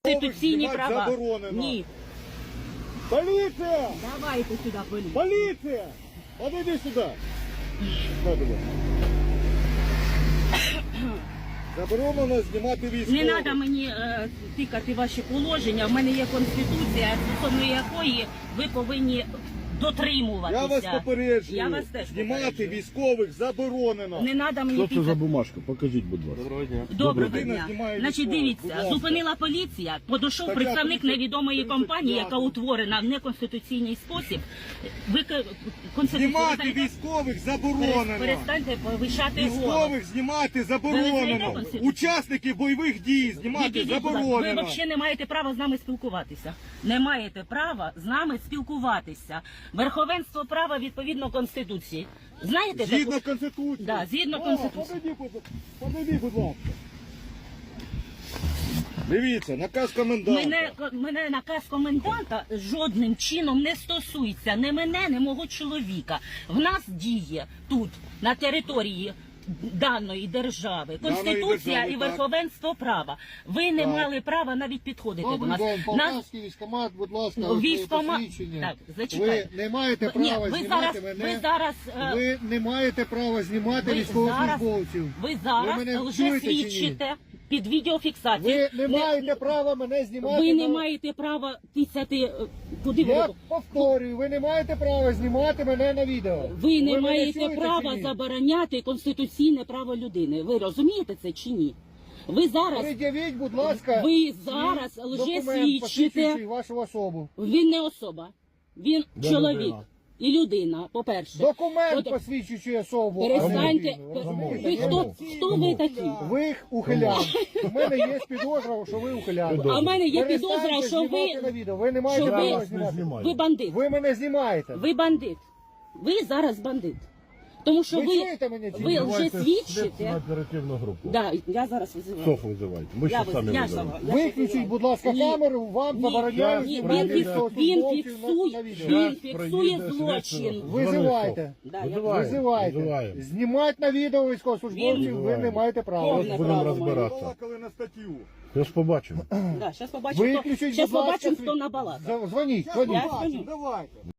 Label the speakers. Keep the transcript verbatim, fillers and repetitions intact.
Speaker 1: Конституційні
Speaker 2: Знімати
Speaker 1: права.
Speaker 2: заборонено.
Speaker 1: Ні.
Speaker 2: Поліція!
Speaker 1: Давайте сюди поліцію.
Speaker 2: Поліція! Подойди сюди. На тебе. Заборонено знімати військових.
Speaker 1: Не треба мені е, тикати ваші положення. В мене є конституція, стосовно якої ви повинні дотримуватися.
Speaker 2: Я вас попереджую.
Speaker 1: Я вас теж
Speaker 2: Знімати
Speaker 1: попереджую.
Speaker 2: військових заборонено.
Speaker 1: Не треба мені
Speaker 3: Що це за
Speaker 1: тикати.
Speaker 3: бумажка? Покажіть, будь ласка.
Speaker 2: Доброго дня.
Speaker 1: Доброго
Speaker 2: Людина
Speaker 1: дня.
Speaker 2: знімає
Speaker 1: Значить,
Speaker 2: військових. Будь
Speaker 1: дивіться,
Speaker 2: ласка.
Speaker 1: зупинила поліція, подійшов
Speaker 2: Так,
Speaker 1: представник
Speaker 2: я
Speaker 1: невідомої
Speaker 2: тридцять
Speaker 1: компанії,
Speaker 2: п'ять.
Speaker 1: яка утворена в неконституційний спосіб. Ви к- конституцію
Speaker 2: Знімати
Speaker 1: визнаєте?
Speaker 2: військових заборонено.
Speaker 1: Перестаньте повищати голос.
Speaker 2: Військових знімати
Speaker 1: Ви
Speaker 2: заборонено.
Speaker 1: визнаєте Конституцію?
Speaker 2: Учасників бойових дій знімати
Speaker 1: Відійдіть, будь ласка. Ви
Speaker 2: заборонено.
Speaker 1: взагалі не маєте права з нами спілкуватися. Не маєте права з нами спілкуватися. Верховенство права відповідно Конституції. Знаєте
Speaker 2: Згідно
Speaker 1: таку?
Speaker 2: Конституції.
Speaker 1: Да, згідно
Speaker 2: О,
Speaker 1: Конституції.
Speaker 2: Подойди, будь- подойди, будь ласка. Дивіться, наказ коменданта.
Speaker 1: Мене, мене наказ коменданта жодним чином не стосується ні мене, ні мого чоловіка. В нас діє тут, на території даної держави, Конституція
Speaker 2: держави,
Speaker 1: і
Speaker 2: так.
Speaker 1: верховенство права. Ви не
Speaker 2: Так.
Speaker 1: мали права навіть підходити до
Speaker 4: Добрий
Speaker 1: нас.
Speaker 4: день,
Speaker 1: Нас
Speaker 4: Полтавський військкомат, будь ласка,
Speaker 1: Ну,
Speaker 4: ось своє
Speaker 1: військкома-
Speaker 4: посвідчення.
Speaker 1: Так, зачекайте.
Speaker 4: Ви не маєте
Speaker 1: Ні,
Speaker 4: права
Speaker 1: ви
Speaker 4: знімати
Speaker 1: зараз,
Speaker 4: мене.
Speaker 1: ви зараз, е,
Speaker 4: Ви не маєте права знімати
Speaker 1: ви
Speaker 4: військовослужбовців.
Speaker 1: ви зараз
Speaker 4: Ви мене
Speaker 1: вже
Speaker 4: чуєте чи ні?
Speaker 1: свідчите під відеофіксацією.
Speaker 4: Ви не маєте права мене знімати.
Speaker 1: ви не
Speaker 4: на-
Speaker 1: маєте права тисяти, е, куди ви
Speaker 4: Я
Speaker 1: робите?
Speaker 4: повторюю, ви не маєте права знімати мене на відео.
Speaker 1: Ви не
Speaker 4: мене
Speaker 1: маєте
Speaker 4: чуєте
Speaker 1: права
Speaker 4: чи ні?
Speaker 1: забороняти конституційне право людини. Ви розумієте це чи ні? Ви зараз,
Speaker 4: Пред'явіть, будь ласка,
Speaker 1: ви
Speaker 4: свій
Speaker 1: зараз
Speaker 4: документ,
Speaker 1: лжесвідчите.
Speaker 4: посвідчуючий вашу особу.
Speaker 1: Він не особа, він
Speaker 3: Де
Speaker 1: чоловік
Speaker 3: людина?
Speaker 1: і людина, по-перше.
Speaker 4: Документ,
Speaker 1: От-
Speaker 4: посвідчуючий особу. а не
Speaker 1: Перестаньте.
Speaker 4: людину.
Speaker 1: пер-
Speaker 4: Розумієте?
Speaker 1: Ви хто, хто ви такі?
Speaker 4: Ви ухилян. У мене є підозра, що ви ухилян.
Speaker 1: А в мене є підозра,
Speaker 4: Перестаньте
Speaker 1: що
Speaker 4: знімати на
Speaker 1: ви,
Speaker 4: відео. Ви не маєте
Speaker 1: що ви-
Speaker 4: права
Speaker 3: Я вас не
Speaker 4: знімати.
Speaker 3: знімаю.
Speaker 1: ви бандит.
Speaker 4: Ви мене знімаєте.
Speaker 1: Ви бандит. Ви зараз бандит. Тому що
Speaker 4: Ви
Speaker 1: ви,
Speaker 4: чуєте мене чи
Speaker 1: ви
Speaker 4: ні?
Speaker 1: вже
Speaker 3: Визивайте
Speaker 1: свідчите.
Speaker 3: слідчу оперативну групу.
Speaker 1: Да, я зараз визиваю.
Speaker 3: СОФ визивайте. Ми
Speaker 1: Я
Speaker 3: ще самі
Speaker 1: виз- я
Speaker 3: визиваємо.
Speaker 1: сама- я
Speaker 4: Виключіть,
Speaker 1: визиваю.
Speaker 4: будь ласка,
Speaker 1: Ні.
Speaker 4: камеру, вам
Speaker 1: Ні,
Speaker 4: забороняють
Speaker 1: ні,
Speaker 4: знімати
Speaker 1: він, фікс, він
Speaker 4: військовослужбовців на-
Speaker 1: фіксує,
Speaker 4: на відео.
Speaker 1: він
Speaker 3: Щас
Speaker 1: фіксує
Speaker 3: проїде
Speaker 1: злочин.
Speaker 3: слідчий.
Speaker 4: Визивайте.
Speaker 1: Да, я
Speaker 3: Визиваємо.
Speaker 4: Визивайте.
Speaker 3: Визиваємо.
Speaker 4: Знімати на відео військовослужбовців ви
Speaker 3: Визиваємо.
Speaker 4: не маєте права.
Speaker 1: Повне
Speaker 3: Будемо
Speaker 1: право
Speaker 3: розбиратися.
Speaker 2: Балакали на статтю.
Speaker 3: Зараз побачимо.
Speaker 1: Да, зараз побачимо, хто,
Speaker 4: Виключіть,
Speaker 1: щас
Speaker 4: будь ласка,
Speaker 1: побачимо,
Speaker 4: свій-
Speaker 1: хто набалакав.
Speaker 4: Дзвоніть,
Speaker 2: Я
Speaker 4: дзвоніть.
Speaker 1: Я
Speaker 2: побачу,
Speaker 1: дзвоню.
Speaker 2: давайте.